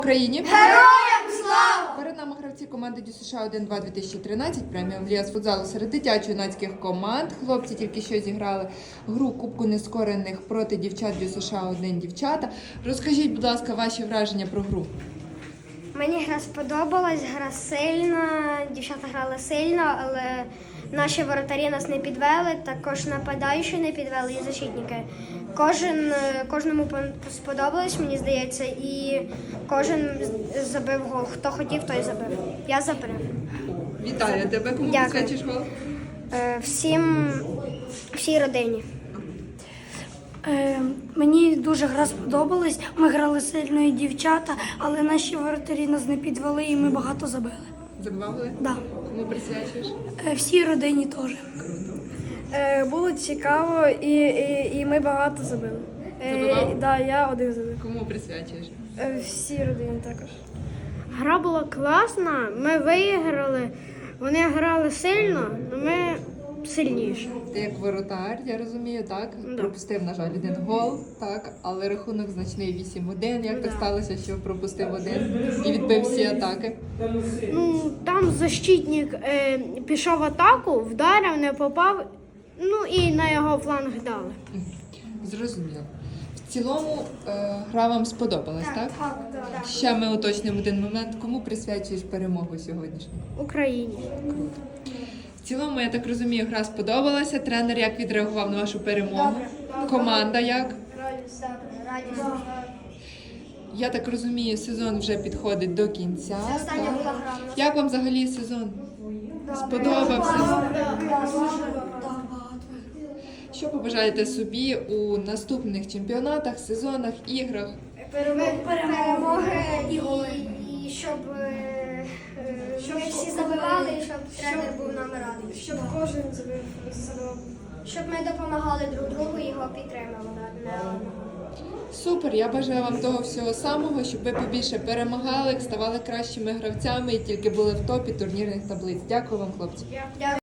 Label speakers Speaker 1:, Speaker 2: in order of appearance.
Speaker 1: Україні!
Speaker 2: Героям слава!
Speaker 1: Перед нами гравці команди Дю США 1-2 2013, преміум ліга з футзалу серед дитячо-юнацьких команд. Хлопці тільки що зіграли гру Кубку нескорених проти дівчат Дю США 1 дівчата. Розкажіть, будь ласка, ваші враження про гру.
Speaker 2: Мені гра сподобалась, гра сильна, дівчата грали сильно, але наші воротарі нас не підвели, також нападаючі не підвели і защитники. Кожному сподобалось, мені здається, і кожен забив гол. Хто хотів, той забив. Я забив.
Speaker 1: Вітаю тебе, кому присвячиш гол?
Speaker 2: Всій родині.
Speaker 3: Мені дуже гра сподобалась. Ми грали сильно і дівчата, але наші воротарі нас не підвели і ми багато забили.
Speaker 1: Забивали?
Speaker 3: Да.
Speaker 1: Кому присвячуєш?
Speaker 3: Всій родині теж.
Speaker 4: Було цікаво і ми багато забили.
Speaker 1: Забивав?
Speaker 4: Да, я один забив.
Speaker 1: Кому присвячуєш?
Speaker 4: Всі родини також.
Speaker 2: Гра була класна, ми виграли, вони грали сильно, але ми сильніші.
Speaker 1: Ти як воротар, я розумію, так? Пропустив, на жаль, один гол, так, але рахунок значний 8-1. Як так сталося, що пропустив один і відбив всі атаки?
Speaker 2: Ну, там защитник пішов в атаку, вдарив, не попав, ну і на його фланг дали.
Speaker 1: Зрозуміло. В цілому гра вам сподобалась, так?
Speaker 2: Так.
Speaker 1: Ще ми уточнимо один момент. Кому присвячуєш перемогу сьогоднішню?
Speaker 2: Україні.
Speaker 1: В цілому, я так розумію, гра сподобалася. Тренер як відреагував на вашу перемогу? Команда як?
Speaker 2: Радість.
Speaker 1: Я так розумію, сезон вже підходить до кінця.
Speaker 2: Остання
Speaker 1: так?
Speaker 2: була гра.
Speaker 1: Як вам взагалі сезон? Сподобався? Що побажаєте собі у наступних чемпіонатах, сезонах, іграх?
Speaker 2: Перемоги і щоб ми всі забивали, і щоб тренер був нам радий.
Speaker 4: Щоб кожен забив.
Speaker 2: Щоб ми допомагали друг другу і його підтримували.
Speaker 1: Супер, я бажаю вам того всього самого, щоб ви побільше перемагали, ставали кращими гравцями і тільки були в топі турнірних таблиць. Дякую вам, хлопці.